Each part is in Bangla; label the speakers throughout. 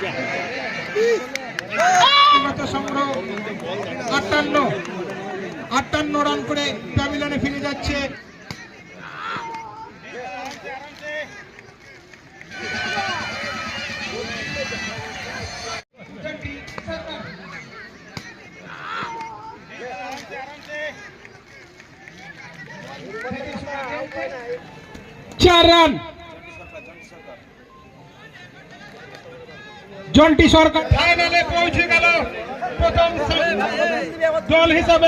Speaker 1: সংগ্রহ 58 রান করে প্যাভিলিয়নে ফিরে যাচ্ছে। চার রান জন্টি সরকার ফাইনালে পৌঁছে গেল প্রথম দল হিসাবে।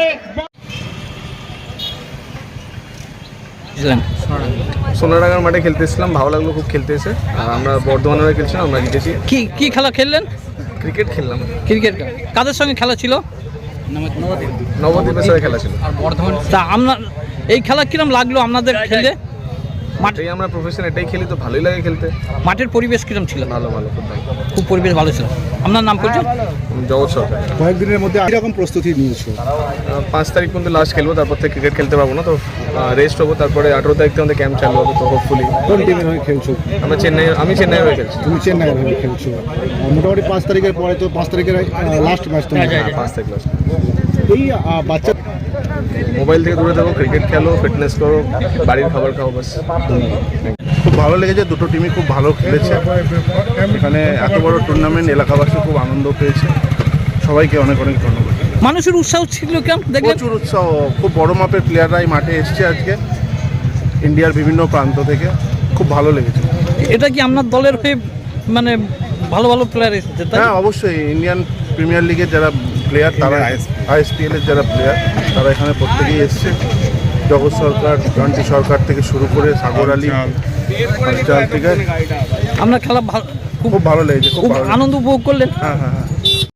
Speaker 2: সোনাডাঙ্গার মাঠে খেলতে এসেছিলাম, ভালো লাগলো খুব খেলতে এসে। আর আমরা বর্ধমানের হয়ে খেলছিলাম, আমরা জিতেছি।
Speaker 3: কি খেলা খেললেন?
Speaker 2: ক্রিকেট খেললাম।
Speaker 3: ক্রিকেট কাদের সঙ্গে খেলা ছিল?
Speaker 2: নবদ্বীপের সাথে খেলা ছিল।
Speaker 3: তা আপনার এই খেলা কিরম লাগলো আপনাদের খেলতে?
Speaker 2: মাঠেই আমরা প্রফেশন, এটাই খেলি তো ভালোই লাগে খেলতে।
Speaker 3: মাঠের পরিবেশ কিরম ছিল?
Speaker 2: ভালো ভালো, খুব ভালো,
Speaker 3: খুব পরিবেশ ভালো ছিল। আপনার নাম পরিচয়?
Speaker 2: জগৎ সরকার।
Speaker 4: কয়েকদিনের মধ্যে এরকম প্রস্তুতি নিয়েছো?
Speaker 2: 5 তারিখ পর্যন্ত লাস্ট খেলবো, তারপর থেকে ক্রিকেট খেলতে পারবো না, তো রেস্ট হবো। তারপরে 18 তারিখ থেকে আমাদের ক্যাম্প চালু হবে, তো হোপফুলি।
Speaker 4: কোন টিমের হয়ে খেলছো?
Speaker 2: আমি চেন্নাই হয়ে খেলছি।
Speaker 4: তুমি চেন্নাইয়ের হয়ে খেলছো। মোটামুটি 5 তারিখের পরে তো 5 তারিখের লাস্ট ম্যাচ তো।
Speaker 2: 5 তারিখ লাস্ট।
Speaker 4: এই বাচ্চা
Speaker 2: মোবাইল থেকে দূরে থাকো, ক্রিকেট খেলো, ফিটনেস করো, বাড়ির খাবার খাও, বাস।
Speaker 5: খুব ভালো লেগেছে, দুটো টিমই খুব ভালো খেলেছে। এখানে এত বড় টুর্নামেন্ট, এলাকাবাসী খুব আনন্দ পেয়েছে। সবাইকে অনেক অনেক ধন্যবাদ।
Speaker 3: মানুষের উৎসাহ ছিল কেমন দেখলেন?
Speaker 5: প্রচুর উৎসাহ, খুব বড় মাপের প্লেয়াররাই মাঠে এসছে আজকে ইন্ডিয়ার বিভিন্ন প্রান্ত থেকে। খুব ভালো লেগেছে।
Speaker 3: এটা কি আপনার দলের হয়ে মানে ভালো ভালো প্লেয়ার এসেছে?
Speaker 5: হ্যাঁ, অবশ্যই। ইন্ডিয়ান প্রিমিয়ার লিগের যারা প্লেয়ার, তারা ISPL এর যারা প্লেয়ার, তারা এখানে প্রত্যেকেই এসছে। জগৎ সরকার, জন্টি সরকার থেকে শুরু করে সাগর আলী, থেকে।
Speaker 3: আপনার খেলা
Speaker 5: খুব ভালো লেগেছে,
Speaker 3: খুব আনন্দ উপভোগ করলেন?
Speaker 5: হ্যাঁ হ্যাঁ।